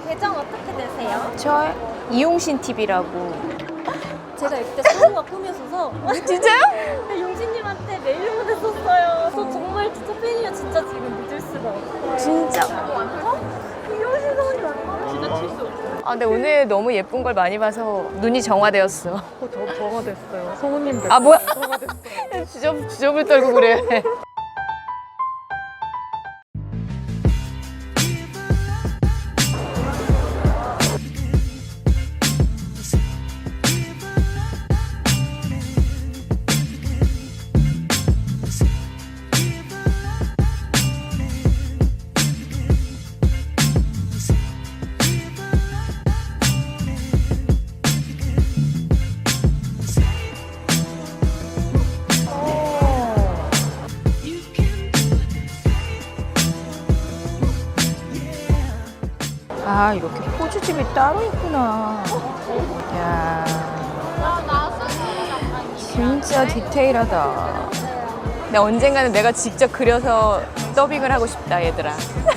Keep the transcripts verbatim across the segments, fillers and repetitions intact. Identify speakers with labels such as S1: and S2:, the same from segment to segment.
S1: 계정 어떻게 되세요?
S2: 저 이용신 티비라고.
S1: 제가 이때 성우가 꿈이었어서
S2: 진짜요?
S1: 용신님한테 메일 보냈었어요. 저 정말 진짜 팬이에요. 진짜 지금 믿을 수가 없어요.
S2: 진짜.
S1: 이용신 성우님 맞나? 진짜 칠수.
S2: 아, 근데 오늘 너무 예쁜 걸 많이 봐서 눈이 정화되었어.
S1: 저 저가 됐어요. 성우님
S2: 아, 뭐야? 주접, 주접을 떨고 그래. 아, 이렇게 포즈집이 따로 있구나. 야, 진짜 디테일하다. 근데 언젠가는 내가 직접 그려서 더빙을 하고 싶다, 얘들아.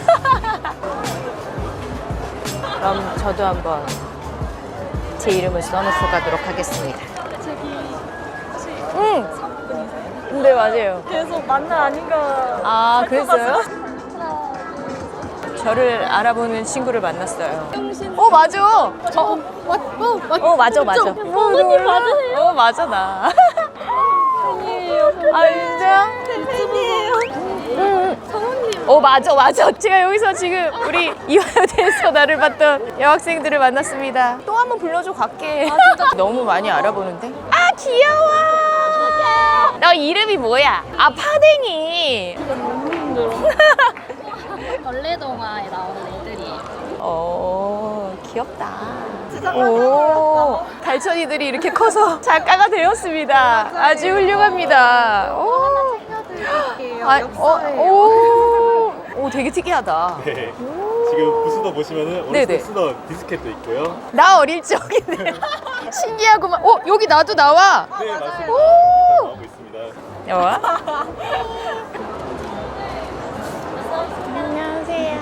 S2: 그럼 저도 한번 제 이름을 써놓고 가도록 하겠습니다. 응. 네, 맞아요.
S1: 계속 만나 아닌가.
S2: 아, 그랬어요? 저를 알아보는 친구를 만났어요. 어, 맞아. 어,
S1: 어, 어, 맞,
S2: 어, 맞아, 맞아.
S1: 성우님 맞으세요?
S2: 어, 맞아, 나.
S1: 팬이에요.
S2: 아, 진짜?
S1: 팬이에요.
S2: 응.
S1: 성우님.
S2: 어, 맞아, 맞아. 제가 여기서 지금 우리 이화여대에서 나를 봤던 여학생들을 만났습니다. 또 한 번 불러줘 갈게.
S1: 아, 진짜?
S2: 너무 많이 알아보는데? 아, 귀여워. 너 이름이 뭐야? 아, 파댕이.
S1: 진짜 너무 힘들어. 벌레동화에 나오는 애들이에요.
S2: 어, 귀엽다. 오, 달천이들이 이렇게 커서 작가가 되었습니다. 아주 훌륭합니다. 오,
S1: 챙겨드릴게요.
S2: 아,
S1: 엽서예요.
S2: 어, 오, 오, 되게 특이하다.
S3: 네. 지금 부스도 보시면은 어렸을
S2: 네네.
S3: 때 쓰던 디스켓도 있고요.
S2: 나 어릴 적이네. 신기하구만. 어, 여기 나도 나와.
S3: 네, 맞습니다.
S2: 오.
S3: 나오고 있습니다.
S2: 여와. 안녕하세요.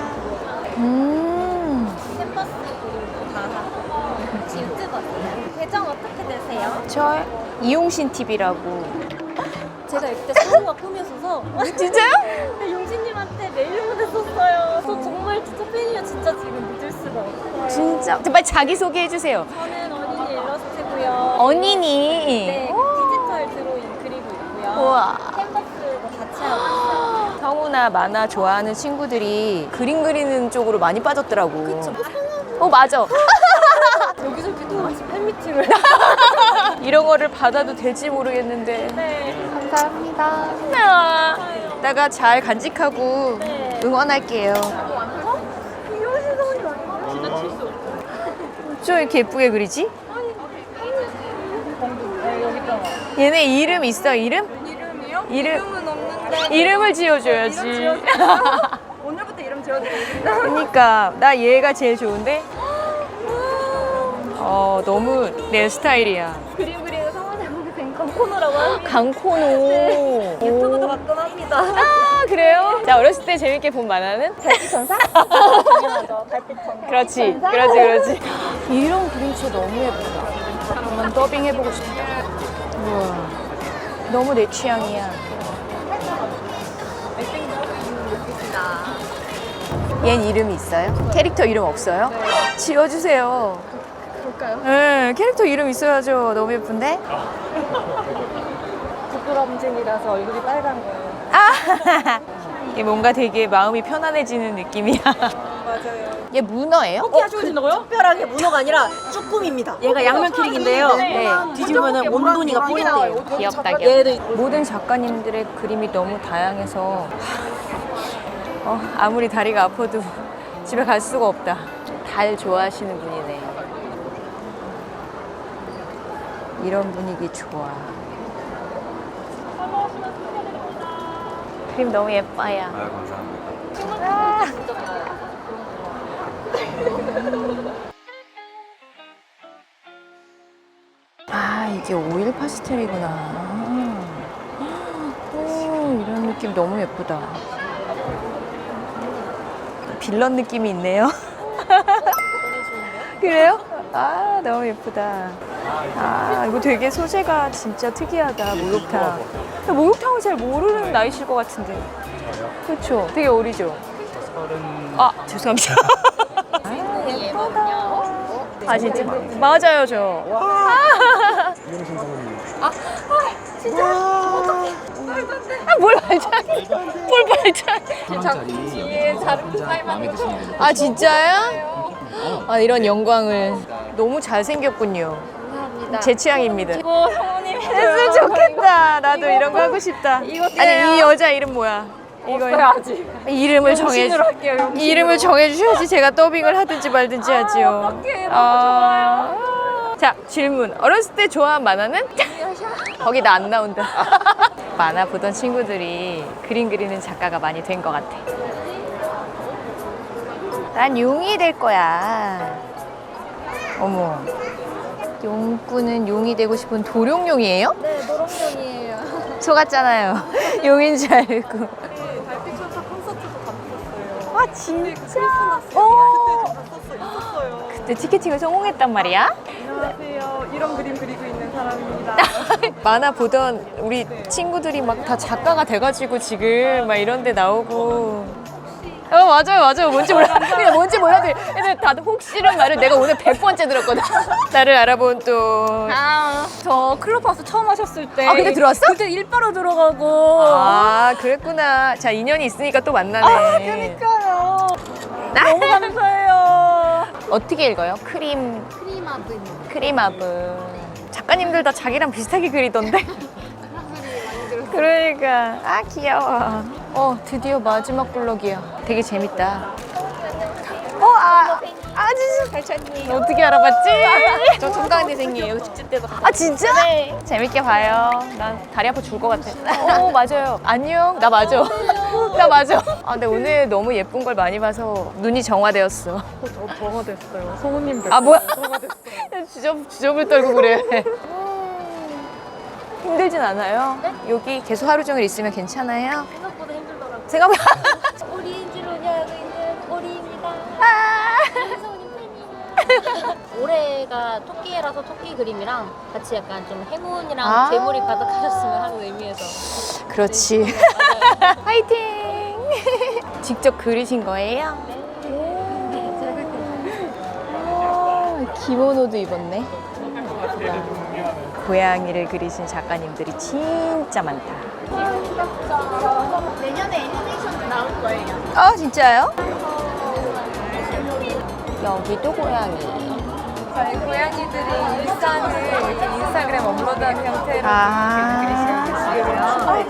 S2: 음,
S1: 캔버스 그리고 다 하고 유튜버 계정 어떻게 되세요?
S2: 저 이용신 티비라고.
S1: 제가 이때 성우가 꿈이었어서
S2: 진짜요?
S1: 용신님한테 메일 보냈었어요. 저 정말 진짜 팬이에요. 진짜 지금 믿을 수가 없어요.
S2: 진짜. 빨리 자기 소개해 주세요.
S1: 저는 어린이 일러스트고요.
S2: 언니니.
S1: 네, 디지털 드로잉 그리고 있고요.
S2: 우와.
S1: 캔버스도 같이 하고 있어요.
S2: 성우나 만화 좋아하는 친구들이 그림 그리는 쪽으로 많이 빠졌더라고.
S1: 그쵸.
S2: 어, 맞아.
S1: 여기저기 또 같이 팬미팅을.
S2: 이런 거를 받아도 될지 모르겠는데.
S1: 네.
S2: 감사합니다. 아, 이따가 잘 간직하고
S1: 네.
S2: 응원할게요.
S1: 이용신 성우님 맞나? 진짜 칠수.
S2: 저 이렇게 예쁘게 그리지?
S1: 네, 여기 있잖아.
S2: 얘네 이름 있어, 이름?
S1: 이름이요?
S2: 이름.
S1: 이름은 없는데.
S2: 이름을 지어줘야지.
S1: 이름 지어드릴까요? 오늘부터 이름 지어드리겠습니다.
S2: 그러니까 나 얘가 제일 좋은데? 어, 너무 내 스타일이야.
S1: 그림 그리는 성우님 된 강코너라고 합니다.
S2: 강코노.
S1: 유튜브도 가끔 합니다.
S2: 아, 그래요? 자, 어렸을 때 재밌게 본 만화는?
S1: 달빛천사? 당연하죠. 달빛천사.
S2: 그렇지, 그렇지, 그렇지. 이런 그림체 너무 예쁘다. 한번 더빙 해보고 싶다. 우와, 너무 내 취향이야. 얜 이름이 있어요? 캐릭터 이름 없어요? 네. 지어주세요.
S1: 볼까요?
S2: 네, 캐릭터 이름 있어야죠. 너무 예쁜데?
S1: 부끄럼증이라서 얼굴이 빨간 거예요.
S2: 아, 이게 뭔가 되게 마음이 편안해지는 느낌이야.
S1: 맞아요.
S2: 얘 문어예요?
S1: 어, 하셔진다고요? 특별하게 문어가 아니라 쭈꾸미입니다. 얘가 양면 키링인데요.
S2: 네.
S1: 뒤집으면 온돈이가 뿌린대요.
S2: 귀엽다, 귀엽다.
S1: 얘도
S2: 모든 작가님들의 그림이 너무 다양해서 어, 아무리 다리가 아파도 집에 갈 수가 없다. 달 좋아하시는 분이네. 이런 분위기 좋아. 그림 너무 예뻐요.
S3: 아, 감사합니다.
S2: 아, 이게 오일 파스텔이구나. 오, 이런 느낌 너무 예쁘다. 빌런 느낌이 있네요. 그래요? 아 너무 예쁘다. 아 이거 되게 소재가 진짜 특이하다. 목욕탕. 목욕탕을 잘 모르는 나이실 것 같은데. 그렇죠. 되게 어리죠. 아 죄송합니다. 아 예쁘다. 아 진짜 맞아요 저. 아,
S3: 이영신 사모님.
S2: 아 진짜 어떡해. 아, 뭘 말자. 뭘 말자.
S1: 뒤에 자르고 사이만
S2: 아 진짜요? 아 이런 영광을. 너무 잘생겼군요.
S1: 감사합니다.
S2: 제 취향입니다.
S1: 이거 성우님
S2: 했으면 좋겠다. 나도 이런 거 하고 싶다.
S1: 이거
S2: 아니 이 여자 이름 뭐야? 이거
S1: 아직
S2: 이름을 정해
S1: 용신으로 할게요. 용신으로.
S2: 이름을 정해 주셔야지 제가 더빙을 하든지 말든지 하지요.
S1: 어떡해, 너무
S2: 좋아요. 자 질문. 어렸을 때 좋아한 만화는? 거기 나 안 나온다. 만화 보던 친구들이 그림 그리는 작가가 많이 된 것 같아. 난 용이 될 거야. 어머. 용꾼은 용이 되고 싶은 도룡용이에요?
S1: 네, 노롱용이에요.
S2: 속았잖아요. 용인 줄 알고.
S1: 달빛천사 콘서트도 갔었어요.
S2: 아 진짜?
S1: 어.
S2: 오.
S1: 그때 저 갔었어요. 있었어요.
S2: 그때 티켓팅을 성공했단 말이야?
S1: 안녕하세요. 이런 그림 그리고 있는 사람입니다.
S2: 만화 보던 우리 친구들이 막 다 작가가 돼가지고 지금 막 이런 데 나오고. 어 맞아요 맞아요 뭔지 몰라 그냥 뭔지 몰라도 애들 다들 혹시란 말을 내가 오늘 백 번째 들었거든. 나를 알아본 또
S1: 아, 저 클럽하우스 처음 하셨을 때.
S2: 아, 그때 들어왔어?
S1: 그때 일바로 들어가고.
S2: 아 그랬구나. 자 인연이 있으니까 또 만나네.
S1: 아, 그니까요. 너무 감사해요.
S2: 어떻게 읽어요? 크림
S1: 크리마블.
S2: 크림아브. 작가님들 다 자기랑 비슷하게 그리던데. 그러니까 아 귀여워. 어 드디어 마지막 블럭이야. 되게 재밌다. 어아 아주 발찬님 어떻게 알아봤지?
S1: 저 정강대생이에요. 축제 때도.
S2: 아 진짜? 네. 재밌게 봐요. 난 다리 아파 죽을 것 같아. 오 맞아요. 안녕. 나 맞아. 나 맞아. 아 근데 오늘 너무 예쁜 걸 많이 봐서 눈이 정화되었어.
S1: 저 저가 됐어요. 성우님 됐어요.
S2: 아 뭐야? 주접 주접을 떨고 그래. 힘들진 않아요?
S1: 네?
S2: 여기 계속 하루 종일 있으면 괜찮아요?
S1: 생각보다 힘들더라고요.
S2: 생각보다
S1: 오리인지로 알고 있는 오리입니다.
S2: 아.
S1: 성우님 팬이에요. 올해가 토끼해라서 토끼 그림이랑 같이 약간 좀 행운이랑
S2: 아.
S1: 재물이 가득하셨으면 하는 의미에서.
S2: 그렇지. 화이팅! 직접 그리신 거예요? 오, 기모노도 입었네. 고양이를 그리신 작가님들이 진짜 많다.
S1: 내년에 애니메이션 나올 거예요.
S2: 아 진짜요? 여기도 고양이.
S4: 저희 고양이들이 일상을 이렇게 인스타그램 업로드하는 형태로
S2: 아.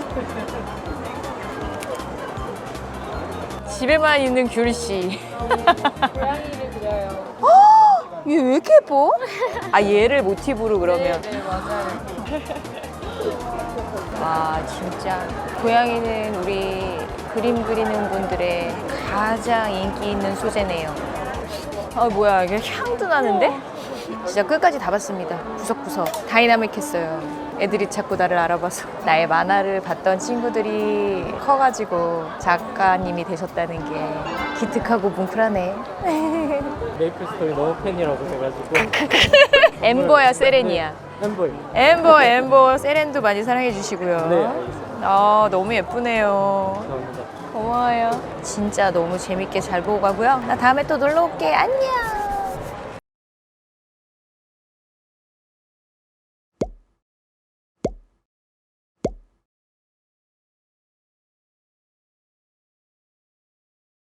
S2: 집에만 있는 귤씨.
S1: 고양이를 그려요.
S2: 얘 왜 이렇게 예뻐? 아 얘를 모티브로 그러면.
S4: 네, 맞아요.
S2: 와 진짜 고양이는 우리 그림 그리는 분들의 가장 인기 있는 소재네요. 아 뭐야 이게 향도 나는데? 진짜 끝까지 다 봤습니다. 구석구석 다이나믹했어요. 애들이 자꾸 나를 알아봐서 나의 만화를 봤던 친구들이 커가지고 작가님이 되셨다는 게 기특하고 뭉클하네.
S5: 메이플 스토리 너무 팬이라고 해가지고
S2: 엠버야 세렌이야.
S5: 햄버이.
S2: 엠버 엠버 세렌도 많이 사랑해 주시고요.
S5: 네, 알겠습니다.
S2: 아 너무 예쁘네요.
S5: 감사합니다.
S2: 고마워요. 진짜 너무 재밌게 잘 보고 가고요. 나 다음에 또 놀러 올게. 안녕.